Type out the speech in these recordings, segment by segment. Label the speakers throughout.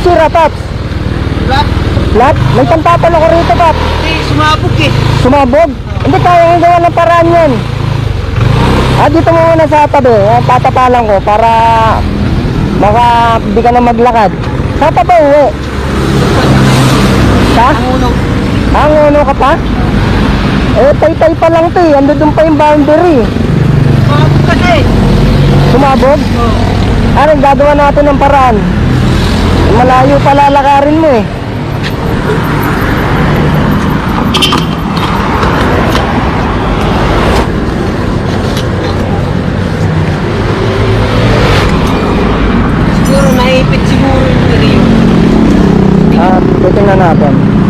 Speaker 1: sira, Paps?
Speaker 2: Flat?
Speaker 1: Flat? May pantapal ako rito, Paps.
Speaker 2: Hindi, sumabog eh.
Speaker 1: Sumabog? Hindi, kaya nga gawa ng paraan yun. Dito mo muna sa tabi. Tatapalan ko para baka di ka na maglakad. Sa pa ba uwi? Sa?
Speaker 2: Ang
Speaker 1: Uno ka pa? Tay-tay pa lang to eh. Ando dun pa yung boundary.
Speaker 2: Sumabog kasi.
Speaker 1: Sumabog?
Speaker 2: Oo.
Speaker 1: Anong gagawa natin ng paraan? Malayo pa lalakarin mo eh.
Speaker 2: Siguro naipit siguro yung rio.
Speaker 1: Titingnan natin.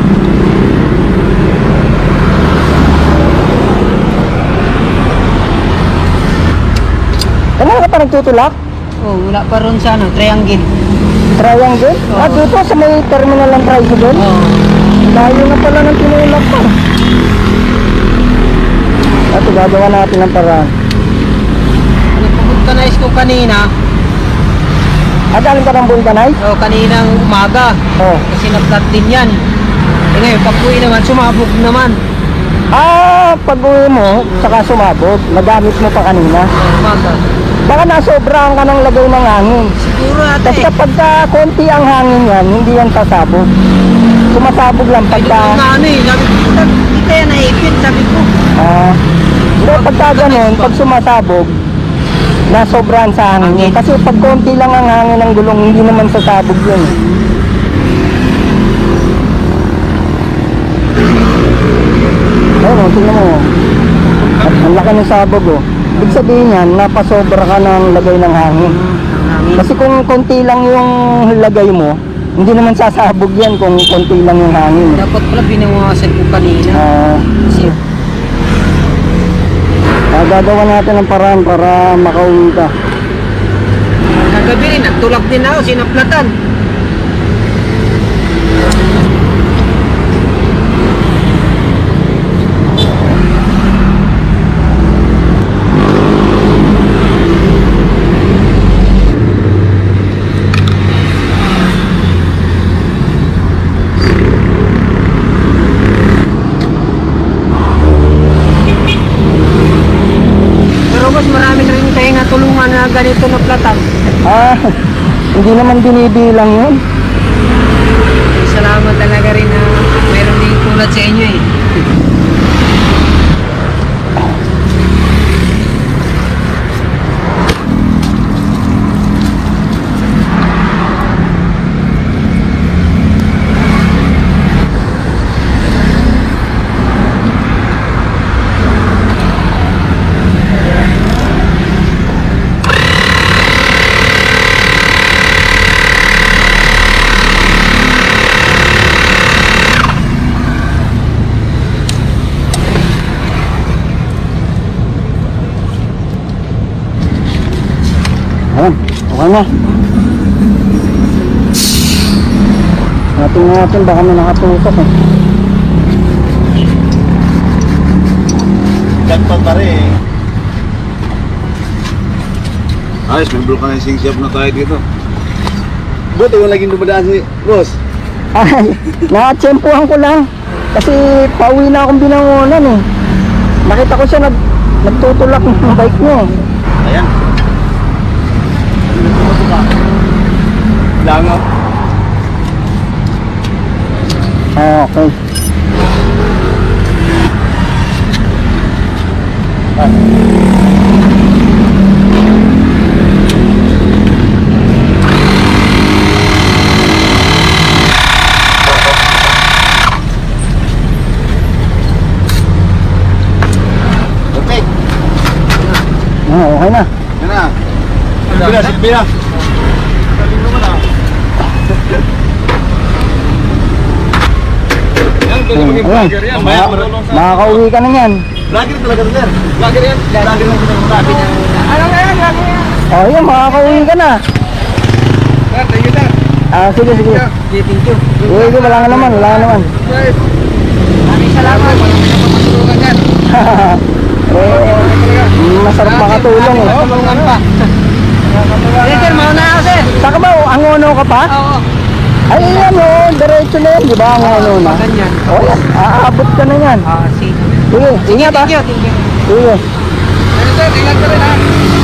Speaker 1: Kanina ka pa nagtutulak?
Speaker 2: Oh, wala pa ron sa ano, triangle.
Speaker 1: Triangle?
Speaker 2: Oo.
Speaker 1: Dito sa may terminal ng tricycle?
Speaker 2: Oo.
Speaker 1: Layo na pala ng tinulak pa. Ito, gagawa natin ng paraan.
Speaker 2: Nagpapulkanize ko kanina.
Speaker 1: Galing ka ng vulcanize?
Speaker 2: Oh, kaninang umaga.
Speaker 1: Oo.
Speaker 2: Kasi na-flat din yan. Eh ngayon, pag-uwi naman, sumabog naman.
Speaker 1: Pag-uwi mo, saka sumabog, nagamit mo pa kanina.
Speaker 2: Oh, umaga.
Speaker 1: Baka nasobrahan ka ng lagay ng hangin.
Speaker 2: Siguro ate.
Speaker 1: Basta pagka konti ang hangin yan, hindi yan sasabog. Sumasabog lang
Speaker 2: Ay,
Speaker 1: pagka...
Speaker 2: doon na ano eh. Sabi ko, dito yan naipit. Sabi ko.
Speaker 1: Hindi, pagka ganun, pag sumasabog, nasobrahan sa hangin yun. Kasi pag konti lang ang hangin ng gulong, hindi naman sasabog yun. Ayun, tingnan mo. Ang laki ng sabog, oh. Ibig sabihin yan, napasobra ka ng lagay ng hangin. Kasi kung konti lang yung lagay mo, hindi naman sasabog yan kung konti lang yung hangin.
Speaker 2: Dapat pala binawasan ko kanina. Kasi
Speaker 1: Gagawa natin ng paraan para makauwi ka.
Speaker 2: kagabi rin, nagtulak din ako, sinaplatan. Pero mas marami na rin kayo natulungan na ganito na platan.
Speaker 1: Hindi naman binibilang yun.
Speaker 2: Salamat talaga rin na meron din tulad sa inyo eh.
Speaker 1: Ayan, okay na. Natin baka may nakatusok eh.
Speaker 3: Gagpag pa rin eh. Ayos, may vulcanizing shop na tayo dito. Buti yung laging dumadaan si boss.
Speaker 1: Ay, nakatsempuhan ko lang. Kasi pauwi na akong binangonan eh. Nakita ko siya nagtutulak ng bike niya eh.
Speaker 3: Ayan. Langaw.
Speaker 1: Okay.
Speaker 3: Okay.
Speaker 1: Okay na.
Speaker 3: Yan na. Silvia. Galing naman ah. Yan, pwede maging vlogger yan. Mamaya marunong sa...
Speaker 1: Makakauwi ka na yan.
Speaker 3: Vlogger talaga rin sir. Vlogger yan. Vlogger lang sabi niya.
Speaker 2: Ano nga yan? Ano yan?
Speaker 1: Yun, makakauwi ka na.
Speaker 3: Sir, thank you sir.
Speaker 1: Sige.
Speaker 2: Okay, thank you.
Speaker 1: Sige, wala nga naman.
Speaker 2: Maraming salamat. Matulungan yan.
Speaker 1: Masarap makatulong eh.
Speaker 2: Tulungan pa. Sir, mauna ako sir.
Speaker 1: Saka ba, angono ka pa?
Speaker 2: Oo.
Speaker 1: Ay, yan o, diretso na yan, di ba? Ang ano na.
Speaker 2: Ganyan.
Speaker 1: O yan, aabot ka na yan.
Speaker 2: Sige.
Speaker 1: Sige, ingat ha.
Speaker 2: Thank you.
Speaker 1: Sige.
Speaker 3: Sir, ingat ka rin ha.